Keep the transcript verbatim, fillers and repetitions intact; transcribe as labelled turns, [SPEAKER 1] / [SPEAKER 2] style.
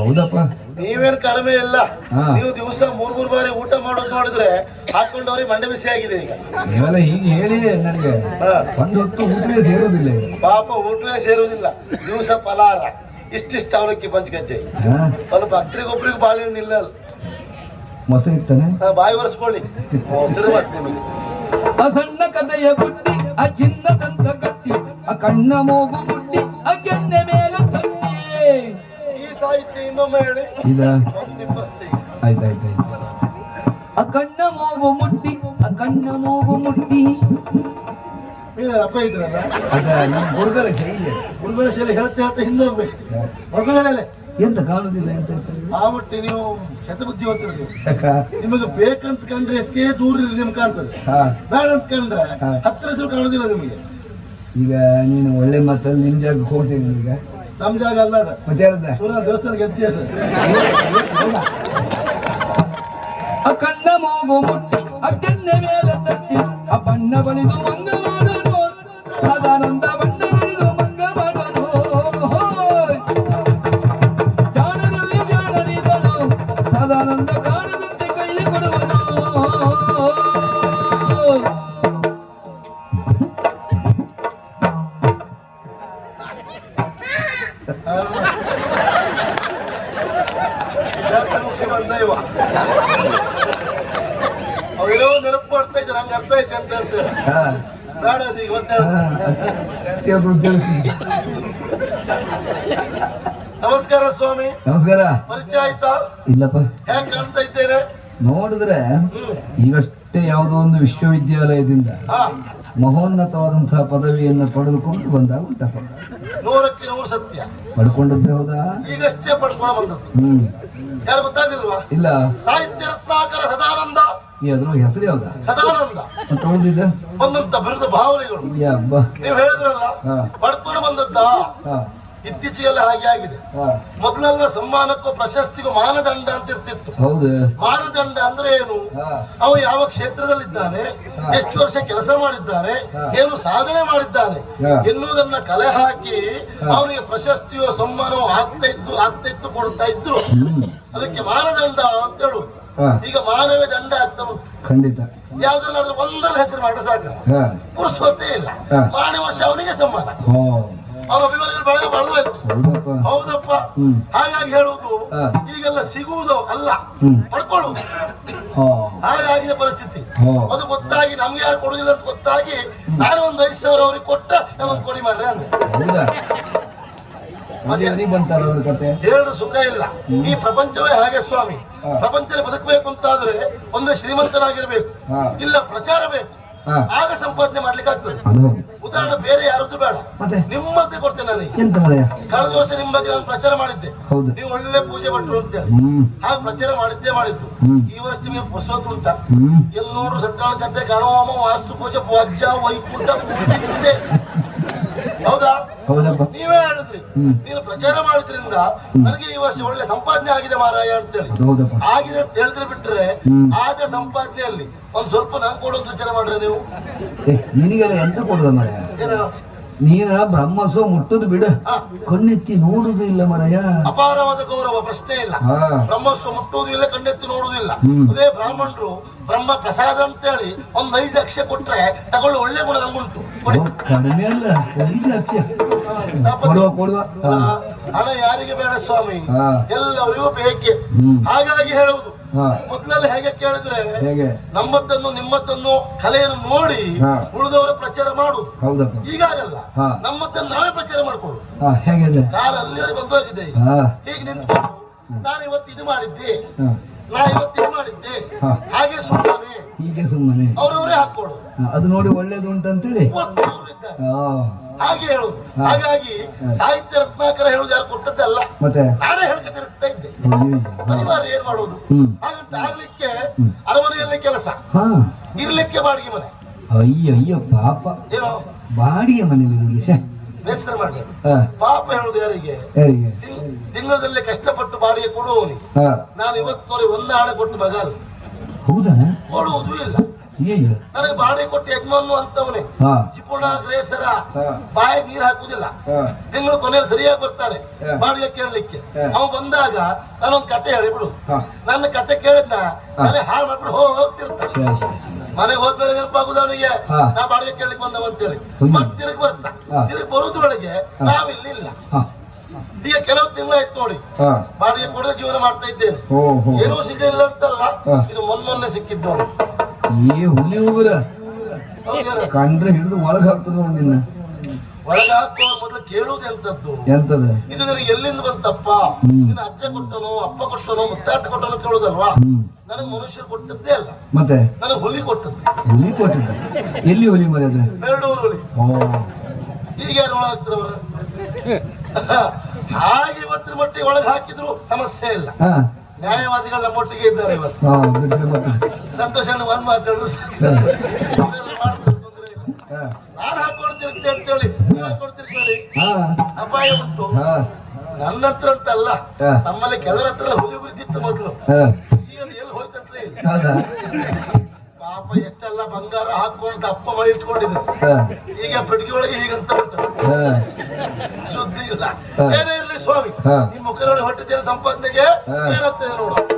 [SPEAKER 1] ಹೌದಪ್ಪ,
[SPEAKER 2] ನೀವೇನು ಕಡಿಮೆ ಇಲ್ಲ. ನೀವು ದಿವಸ ಮೂರ್ ಮೂರ್ ಬಾರಿ ಊಟ ಮಾಡೋದು ನೋಡಿದ್ರೆ ಹಾಕೊಂಡವ್ರಿಗೆ ಮಂಡೆ ಬಿಸಿ ಆಗಿದೆ ಈಗ.
[SPEAKER 1] ನೀವೆಲ್ಲ ಹೀಗೆ ಹೇಳಿ ನನಗೆ ಒಂದು ಹೊತ್ತು ಊಟವೇ ಸೇರೋದಿಲ್ಲ.
[SPEAKER 2] ಪಾಪ ಊಟವೇ ಸೇರುವುದಿಲ್ಲ. ದಿವಸ ಫಲಾರ ಇಷ್ಟಿಷ್ಟು ಅವಲಕ್ಕಿ ಪಂಚಗಜ್ಜೆ, ಸ್ವಲ್ಪ ಹತ್ರಿಗೊಬ್ರಿಗೆ ಬಾಳೆಹಣ್ಣು ಇಲ್ಲ.
[SPEAKER 1] ಮೊಸರು ಇತ್ತಾನೆ,
[SPEAKER 2] ಬಾಯಿ ಒರೆಸ್ಕೊಳ್ಳಿ. ಮೊಸರು ಮತ್ತೆ ನಿಮಗೆ
[SPEAKER 1] ಆ ಸಣ್ಣ ಕಥೆಯ ಬುಟ್ಟಿ, ಆ ಚಿನ್ನದಂತ ಗಟ್ಟಿ, ಆ ಕಣ್ಣ ಮೂಗು ಬುಟ್ಟಿ, ಆ ಕೆನ್ನೆ ಮೇಲೆ ತಟ್ಟಿ.
[SPEAKER 2] ಈ ಸಾಹಿತ್ಯ ಇನ್ನೊಮ್ಮೆ ಹೇಳಿ.
[SPEAKER 1] ಇದ
[SPEAKER 2] ನಿಮ್ಮಸ್ತಿ
[SPEAKER 1] ಆಯ್ತಾಯ್ತಾಯ್ತು. ಆ ಕಣ್ಣ ಮೂಗು ಮುಟ್ಟಿ, ಆ ಕಣ್ಣ ಮೂಗು ಮುಟ್ಟಿ.
[SPEAKER 2] ಅಪ್ಪ ಇದ್ರಲ್ಲ,
[SPEAKER 1] ಅದ ನಮ್ಮ ಗುರುಗಳ ಶೈಲಿ.
[SPEAKER 2] ಗುರುಗಳ ಶೈಲಿ ಹೇಳ್ತಾ ಹೇಳ್ತಾ ಹಿಂದೆ ಹೋಗ್ಬೇಕು. ಮಗಳೇ
[SPEAKER 1] ಎಂತ ಕಾಣುದಿಲ್ಲ ಎಂತ
[SPEAKER 2] ಆ ಮಟ್ಟಿ ನೀವು ಶತಬುದ್ಧಿವಂತರು. ನಿಮಗೆ ಬೇಕಂತ ಕಂಡ್ರೆ ಎಷ್ಟೇ ದೂರ ನಿಮ್ಗೆ ಕಾಣ್ತದೆ, ಬೇಡ ಅಂತ ಕಂಡ್ರೆ ಹತ್ತಿರ ಹೆಸರು ಕಾಣುದಿಲ್ಲ ನಿಮಗೆ.
[SPEAKER 1] ಈಗ ನೀನು ಒಳ್ಳೆ ಮಾತಲ್ಲಿ ನಿನ್ ಜಾಗಕ್ಕೆ ಹೋಗ್ತೀನಿ. ಈಗ
[SPEAKER 2] ನಮ್ ಜಾಗ ಅಲ್ಲ ಅದ,
[SPEAKER 1] ಮತ್ತೆ
[SPEAKER 2] ಸೂರ್ಯ ದೇವಸ್ಥಾನ ಗೆದ್ದಿ ಅದು.
[SPEAKER 1] ಆ ಕಣ್ಣ ಮೂಗು ಮುಟ್ಟಿ, ಆ ಕೆನ್ನೆ ಮೇಲೆ ತಟ್ಟಿ, ಆ ಬಣ್ಣ ಬಳಿದು ಮಂಗ ಮಾಡೋದು, ಸದಾನಂದ ಬಣ್ಣ ಬಳಿದು ಮಂಗ ಮಾಡೋದು. ಜಾಣದಲ್ಲಿ ಜಾಣರಿದನು, ಸದಾನಂದ ಕಾಣದಂತೆ ಕೈ ಕೊಡುವನು.
[SPEAKER 2] ಮುಗಿಸಿ ಬಂದ ಇವ ಅವೇನೋ ನೆನಪು ಮಾಡ್ತಾ ಇದ್ದಾರೆ, ಹಂಗ ಅರ್ಥ ಐತೆ ಅಂತ ಹೇಳ್ತೇವೆ. ಬೇಡ ಅದು ಈಗ ಮತ್ತೆ. ನಮಸ್ಕಾರ ಸ್ವಾಮಿ.
[SPEAKER 1] ನಮಸ್ಕಾರ.
[SPEAKER 2] ಪರಿಚಯ ಆಯ್ತಾ?
[SPEAKER 1] ಇಲ್ಲಪ್ಪ.
[SPEAKER 2] ಹೇಗೆ ಕಾಣ್ತಾ ಇದ್ದೇನೆ?
[SPEAKER 1] ನೋಡಿದ್ರೆ ಈಗಷ್ಟೇ ಯಾವುದೋ ಒಂದು ವಿಶ್ವವಿದ್ಯಾಲಯದಿಂದ ಮಹೋನ್ನತವಾದಂತಹ ಪದವಿಯನ್ನು ಪಡೆದುಕೊಂಡು ಬಂದಾಗ ಉಂಟಪ್ಪ.
[SPEAKER 2] ನೂರಕ್ಕೆ ನೂರು ಸತ್ಯ.
[SPEAKER 1] ಪಡ್ಕೊಂಡದ್ದೇ ಹೌದಾ?
[SPEAKER 2] ಈಗಷ್ಟೇ ಪಡ್ಕೊಂಡು ಬಂದದ್ದು.
[SPEAKER 1] ಹ್ಮ್
[SPEAKER 2] ಯಾರು ಗೊತ್ತಾಗಿಲ್ವಾ?
[SPEAKER 1] ಇಲ್ಲ.
[SPEAKER 2] ಸಾಹಿತ್ಯ ರತ್ನಾಕರ ಸದಾನಂದ.
[SPEAKER 1] ಈ ಅದ್ರ ಹೆಸರು ಯಾವ್ದಾ?
[SPEAKER 2] ಸದಾನಂದ
[SPEAKER 1] ಅಂತ ಉಳಿದಿದ್ದ
[SPEAKER 2] ಒಂದಂತ ಬಿರುದು ಭಾವನೆಗಳು. ನೀವು ಹೇಳಿದ್ರಲ್ಲ, ಪಡ್ಕೊಂಡು ಬಂದದ್ದ. ಇತ್ತೀಚೆಗೆಲ್ಲ ಹಾಗೆ ಆಗಿದೆ. ಮೊದಲೆಲ್ಲ ಸಮ್ಮಾನಕ್ಕೂ ಪ್ರಶಸ್ತಿಗೂ ಮಾನದಂಡ ಅಂತ ಇರ್ತಿತ್ತು.
[SPEAKER 1] ಹೌದು.
[SPEAKER 2] ಮಾನದಂಡ ಅಂದ್ರೆ ಏನು? ಅವ ಯಾವ ಕ್ಷೇತ್ರದಲ್ಲಿದ್ದಾನೆ, ಎಷ್ಟು ವರ್ಷ ಕೆಲಸ ಮಾಡಿದ್ದಾನೆ, ಏನು ಸಾಧನೆ ಮಾಡಿದ್ದಾನೆ ಎನ್ನುವುದನ್ನ ಕಲೆ ಹಾಕಿ ಅವನಿಗೆ ಪ್ರಶಸ್ತಿಯೋ ಸಮ್ಮಾನವೋ ಆಗ್ತಾ ಇತ್ತು ಆಗ್ತಾ ಇತ್ತು ಕೊಡ್ತಾ ಇದ್ರು. ಅದಕ್ಕೆ ಮಾನದಂಡ ಅಂತ ಹೇಳುದು. ಈಗ ಮಾನವೇ ದಂಡ ಆಗ್ತಾ ಉಂಟು.
[SPEAKER 1] ಖಂಡಿತ.
[SPEAKER 2] ಯಾವ್ದ್ರಲ್ಲಾದ್ರೂ ಒಂದರ ಹೆಸರು ಮಾಡ್ರೆ ಸಾಕ, ಪುರುಷವತ್ತೇ ಇಲ್ಲ. ಮಾರನೇ ವರ್ಷ ಅವನಿಗೆ ಸಮ್ಮಾನ. ಅವನ ಅಭಿಮಾನಿಗಳು ಬೆಳಗ್ಗೆ ಬಳುವ ಇತ್ತು. ಹೌದಪ್ಪ. ಹಾಗಾಗಿ ಹೇಳುವುದು ಈಗೆಲ್ಲ ಸಿಗುವುದು ಅಲ್ಲ, ಪಡ್ಕೊಳ್ಳುವುದು. ಹಾಗಾಗಿದೆ ಪರಿಸ್ಥಿತಿ. ಅದು ಗೊತ್ತಾಗಿ ನಮ್ಗೆ ಯಾರು ಕೊಡುದಿಲ್ಲ ಅಂತ ಗೊತ್ತಾಗಿ ನಾನು ಒಂದ್ ಐದು ಸಾವಿರ ಅವ್ರಿಗೆ ಕೊಟ್ಟ ನಮಗ್ ಕೊಡಿ ಮಾಡ್ರೆ ಅಂದ್ರೆ ಹೇಳಿದ್ರು ಸುಖ ಇಲ್ಲ. ಈ ಪ್ರಪಂಚವೇ ಹಾಗೆ ಸ್ವಾಮಿ. ಪ್ರಪಂಚದಲ್ಲಿ ಬದುಕಬೇಕು ಅಂತಾದ್ರೆ ಒಂದು ಶ್ರೀಮಂತನಾಗಿರ್ಬೇಕು, ಇಲ್ಲ ಪ್ರಚಾರ ಬೇಕು, ಆಗ ಸಂಪಾದನೆ ಮಾಡ್ಲಿಕ್ಕೆ ಆಗ್ತದೆ. ಉದಾಹರಣೆ ಬೇರೆ ಯಾರದ್ದು ಬೇಡ, ನಿಮ್ಮದ್ದೇ ಕೊಡ್ತೇನೆ ನನಗೆ. ಕಳೆದ ವರ್ಷ ನಿಮ್ಮ ಬಗ್ಗೆ ನಾನು ಪ್ರಚಾರ ಮಾಡಿದ್ದೆ, ನೀವು ಒಳ್ಳೆ ಪೂಜೆ ಭಟ್ರು ಅಂತೇಳಿ. ಹಾಗೆ ಪ್ರಚಾರ ಮಾಡಿದ್ದೇ ಮಾಡಿದ್ದು. ಈ ವರ್ಷ ನಿಮಗೆ ಪುರ್ಸೋತು ಉಂಟ? ಎಲ್ಲಿ ನೋಡ್ರು ಸತ್ಕಾಳ ಗದ್ದೆ ಗಣವಾಮ ವಾಸ್ತು ಪೂಜೆ ಪೂಜ ವೈಕುಂಠ ಇದೆ. ಹೌದಾ? ನೀವೇ ಹೇಳಿದ್ರಿ, ನೀನು ಪ್ರಚಾರ ಮಾಡಿದ್ರಿಂದ ನನಗೆ ಈ ವರ್ಷ ಒಳ್ಳೆ ಸಂಪಾದನೆ ಆಗಿದೆ ಮಾರಾಯ ಅಂತೇಳಿ. ಆಗಿದೆ ಅಂತ ಹೇಳಿದ್ರೆ ಬಿಟ್ರೆ ಆದ ಸಂಪಾದನೆಯಲ್ಲಿ ಒಂದ್ ಸ್ವಲ್ಪ ನಂಗೆ ಕೊಡೋದು ವಿಚಾರ ಮಾಡ್ರೆ ನೀವು.
[SPEAKER 1] ನಿನಗೆಲ್ಲ ಎಂತ ಕೊಡುದ ಮಾರಾಯ? ನೀನ ಬ್ರಹ್ಮಸ್ವ ಮುಟ್ಟುದು ಬಿಡ, ಕಣ್ಣೆತ್ತಿ ನೋಡುದು ಇಲ್ಲ ಮಾರಾಯ.
[SPEAKER 2] ಅಪಾರವಾದ ಗೌರವ, ಪ್ರಶ್ನೆ ಇಲ್ಲ. ಬ್ರಹ್ಮಸ್ವ ಮುಟ್ಟುವುದು ಇಲ್ಲ, ಕಣ್ಣೆತ್ತಿ ನೋಡುವುದಿಲ್ಲ. ಅದೇ ಬ್ರಾಹ್ಮಣರು ಬ್ರಹ್ಮ ಪ್ರಸಾದ ಅಂತೇಳಿ ಒಂದ್ ಐದು ಲಕ್ಷ ಕೊಟ್ರೆ ತಗೊಳ್ಳಿ, ಒಳ್ಳೆ ಗುಣ ನಮ್ಗುಂಟು.
[SPEAKER 1] ಕಡಿಮೆ ಅಲ್ಲ, ಐದು ಲಕ್ಷ ಕೊಡುವ ಕೊಡುವ.
[SPEAKER 2] ಹಣ ಯಾರಿಗೆ ಬೇಡ ಸ್ವಾಮಿ, ಎಲ್ಲರಿಗೂ ಬೇಕೆ. ಹಾಗಾಗಿ ಹೇಳುವುದು, ಮೊದಲೆಲ್ಲ ಹೇಗೆ ಕೇಳಿದ್ರೆ ನಮ್ಮದ್ದನ್ನು ನಿಮ್ಮದ್ದನ್ನು ಕಲೆಯನ್ನು ನೋಡಿ ಉಳಿದವರ ಪ್ರಚಾರ ಮಾಡುದು. ಈಗಾಗಲ್ಲ, ನಮ್ಮದ್ದನ್ನು ನಾವೇ ಪ್ರಚಾರ ಮಾಡ್ಕೊಳ್ಳು. ಕಾಲ ಅಲ್ಲಿವರೆಗೆ ಬಂದು ಹೋಗಿದೆ. ಹೀಗೆ ನಿಂತ್ಕೊಂಡು ನಾನು ಇವತ್ತು ಇದು ಮಾಡಿದ್ದೆ, ನಾ ಇವತ್ತು ಇದು ಮಾಡಿದ್ದೆ, ಹಾಗೆ ಸುಮ್ಮನೆ
[SPEAKER 1] ಹೀಗೆ ಸುಮ್ಮನೆ
[SPEAKER 2] ಅವ್ರವರೇ ಹಾಕೊಳ್ಳು.
[SPEAKER 1] ಅದು ನೋಡಿ ಒಳ್ಳೇದು ಉಂಟಂತೇಳಿ
[SPEAKER 2] ಹಾಗೆ ಹೇಳುದು. ಹಾಗಾಗಿ ಸಾಹಿತ್ಯ ರತ್ನಾಕರ ಹೇಳುದು ಯಾರು ಕೊಟ್ಟದ್ದಲ್ಲ, ನಾನೇ ಹೇಳ್ಕೊತಿರ್ತಾ ಇದ್ದೆ. ಅನಿವಾರ್ಯ ಏನ್ ಮಾಡುವುದು? ಹಾಗಂತ ಆಗ್ಲಿಕ್ಕೆ ಅರಮನೆಯಲ್ಲಿ ಕೆಲಸ, ಇರ್ಲಿಕ್ಕೆ ಬಾಡಿಗೆ ಮನೆ.
[SPEAKER 1] ಅಯ್ಯ ಅಯ್ಯ ಪಾಪ,
[SPEAKER 2] ಏನೋ
[SPEAKER 1] ಬಾಡಿಗೆ ಮನೆಯಲ್ಲಿ
[SPEAKER 2] ಬೇಸರ ಮಾಡಿ ಪಾಪ ಹೇಳುದು ಯಾರಿಗೆ? ತಿಂಗಳದಲ್ಲಿ ಕಷ್ಟಪಟ್ಟು ಬಾಡಿಗೆ ಕೊಡುವವನಿಗೆ. ನಾನು ಇವತ್ತು ನೋಡಿ ಒಂದು ಹಣ ಕೊಟ್ಟು ಮಗ ಅಲ್ಲ,
[SPEAKER 1] ಹೌದಾ?
[SPEAKER 2] ಕೊಡುವುದು ಇಲ್ಲ.
[SPEAKER 1] ಈಗ
[SPEAKER 2] ನನಗೆ ಬಾಡಿ ಕೊಟ್ಟು ಯಜಮಾನು ಅಂತವನೇ
[SPEAKER 1] ಹಾ
[SPEAKER 2] ಚಿಪುಣ ಗ್ರೇಸರ
[SPEAKER 1] ಹಾ
[SPEAKER 2] ಬಾಯಿಗೆ ನೀರು ಹಾಕುದಿಲ್ಲ.
[SPEAKER 1] ಹಾ
[SPEAKER 2] ತಿಂಗಳು ಕೊನೆಯಲ್ಲಿ ಸರಿಯಾಗಿ ಬರ್ತಾನೆ
[SPEAKER 1] ಹಾ.
[SPEAKER 2] ಬಾಡಿಗೆ ಕೇಳಲಿಕ್ಕೆ.
[SPEAKER 1] ಹಾ.
[SPEAKER 2] ಅವ ಬಂದಾಗ ನಾನೊಂದ್ ಕತೆ ಹೇಳಿಬಿಡು.
[SPEAKER 1] ಹಾ
[SPEAKER 2] ನನ್ನ ಕತೆ ಕೇಳಿದ್ನ ಮನೆ ಹಾಳು ಮಾಡ್ಬಿಡು ಹೋಗ್ತಿರ್ತಾನೆ.
[SPEAKER 1] ಸರಿ ಸರಿ ಸರಿ ಸರಿ.
[SPEAKER 2] ಮನೆಗೆ ಹೋದ್ಮೇಲೆ ನೆನಪಾಗುದು ಅವನಿಗೆ
[SPEAKER 1] ಹಾ.
[SPEAKER 2] ನಾ ಬಾಡಿಗೆ ಕೇಳಲಿಕ್ಕೆ ಬಂದವ ಅಂತೇಳಿ.
[SPEAKER 1] ಹುಯ್ಯು.
[SPEAKER 2] ಮತ್ ತಿರುಗಿ ಬರ್ತಾ
[SPEAKER 1] ಹಾ.
[SPEAKER 2] ತಿರುಗಿ ಬರುದ್ರೊಳಗೆ ನಾವಿಲ್ಲಿಲ್ಲ.
[SPEAKER 1] ಹಾ
[SPEAKER 2] ಈಗ ಕೆಲವು ತಿಂಗಳಾಯ್ತು ನೋಡಿ
[SPEAKER 1] ಹಾ
[SPEAKER 2] ಬಾಡಿಗೆ ಕೊಡದೆ ಜೀವನ ಮಾಡ್ತಾ ಇದ್ದೇನೆ.
[SPEAKER 1] ಓ ಹೋ
[SPEAKER 2] ಏನೂ ಸಿಗಲಿಲ್ಲ ಅಂತಲ್ಲ,
[SPEAKER 1] ಹಾ.
[SPEAKER 2] ಇದು ಮೊನ್ನೆ ಸಿಕ್ಕಿದ್ದು ನೋಡಿ.
[SPEAKER 1] ಏ ಹುಲಿ ಹೋಗ್ರ
[SPEAKER 2] ಹೌದೇನ?
[SPEAKER 1] ಕಂಡ್ರೆ ಹಿಡಿದು ಒಳಗೆ ಹಾಕ್ತದ ನೋಡಿ ನಿನ್ನ.
[SPEAKER 2] ಒಳಗ ಹಾಕುವ ಮೊದಲು ಕೇಳುವುದು ಎಂತದ್ದು,
[SPEAKER 1] ಎಂತದ
[SPEAKER 2] ಇದು ನಿನಗೆ ಎಲ್ಲಿಂದ ಬಂತಪ್ಪ,
[SPEAKER 1] ಹ್ಮ್.
[SPEAKER 2] ನಿನ್ನ ಅಜ್ಜ ಕೊಟ್ಟನೋ ಅಪ್ಪ ಕೊಟ್ಟನೋ ಮುತ್ತಾತ ಕೊಟ್ಟನೋ ಕೇಳುದಲ್ವಾ?
[SPEAKER 1] ಹ್ಮ್
[SPEAKER 2] ನನಗೆ ಮನುಷ್ಯರು ಕೊಟ್ಟದ್ದೇ ಅಲ್ಲ,
[SPEAKER 1] ಮತ್ತೆ
[SPEAKER 2] ನನಗೆ ಹುಲಿ ಕೊಟ್ಟದ್ದು.
[SPEAKER 1] ಹುಲಿ ಕೊಟ್ಟಿದ್ದ. ಎಲ್ಲಿ ಹುಲಿ ಮರಿ ಅದ?
[SPEAKER 2] ಬೇಡೂರು ಹುಲಿ.
[SPEAKER 1] ಓ
[SPEAKER 2] ಈಗ ಯಾರು ಒಳಗೆ ಹಾಕ್ತಾರೆ ಅವರು? ಹಾಗೆ ಇವತ್ತಿನ ಮಟ್ಟಿಗೆ ಒಳಗೆ ಹಾಕಿದ್ರು ಸಮಸ್ಯೆ ಇಲ್ಲ.
[SPEAKER 1] ಹಾ
[SPEAKER 2] ನ್ಯಾಯವಾದಿಗಳು ನಮ್ಮೊಟ್ಟಿಗೆ ಇದ್ದಾರೆ ಇವತ್ತು.
[SPEAKER 1] ಹಾ ಬಿಡ್ರಿ ಮತ್ತೆ.
[SPEAKER 2] ಸಂತೋಷ ಒಂದ್ ಮಾತಾಡಿದ್ರು ಸಾಕು.
[SPEAKER 1] ಹಾ.
[SPEAKER 2] ಅವ್ರೇನಾದ್ರು ಮಾಡ್ತಾರೆ ತೊಂದ್ರೆ ಇಲ್ಲ.
[SPEAKER 1] ಹಾ
[SPEAKER 2] ನಾನು ಹಾಕೊಳ್ತಿರ್ತೆ ಅಂತೇಳಿ ನೀವು ಹಾಕೊಳ್ತಿರ್ತೀರಿ,
[SPEAKER 1] ಹಾ
[SPEAKER 2] ಅಪಾಯ ಉಂಟು.
[SPEAKER 1] ಹಾ
[SPEAKER 2] ನನ್ನ ಹತ್ರ ಅಂತ ಅಲ್ಲ,
[SPEAKER 1] ಹಾ.
[SPEAKER 2] ನಮ್ಮಲ್ಲಿ ಕೆಲವರ ಹತ್ರ ಹುಲಿ ಉರಿದಿತ್ತು ಮೊದಲು.
[SPEAKER 1] ಹಾ
[SPEAKER 2] ಈಗ ಅದು ಎಲ್ಲಿ ಹೋಯ್ತಂತಲೇ ಇಲ್ಲ.
[SPEAKER 1] ಹೌದಾ?
[SPEAKER 2] ಪಾಪ ಎಷ್ಟೆಲ್ಲ ಬಂಗಾರ ಹಾಕೊಂಡು ಅಪ್ಪ ಮಾಡಿ ಇಟ್ಕೊಂಡಿದ್ರು.
[SPEAKER 1] ಹಾ
[SPEAKER 2] ಈಗ ಪೆಟ್ಟಿಗೆ ಒಳಗೆ ಹೀಗಂತ ಉಂಟು,
[SPEAKER 1] ಹಾ
[SPEAKER 2] ಸುದ್ದಿ ಇಲ್ಲ.
[SPEAKER 1] ಹಾ.
[SPEAKER 2] ಏನೇ ಇರ್ಲಿ ಸ್ವಾಮಿ,
[SPEAKER 1] ಹಾ.
[SPEAKER 2] ನಿಮ್ಮ ಮುಖ ನೋಡಿ ಹೊಟ್ಟಿದ್ದೇನೆ ಸಂಪಾದನೆಗೆ
[SPEAKER 1] ಹಾ.
[SPEAKER 2] ಏನಾಗ್ತದೆ ನೋಡು.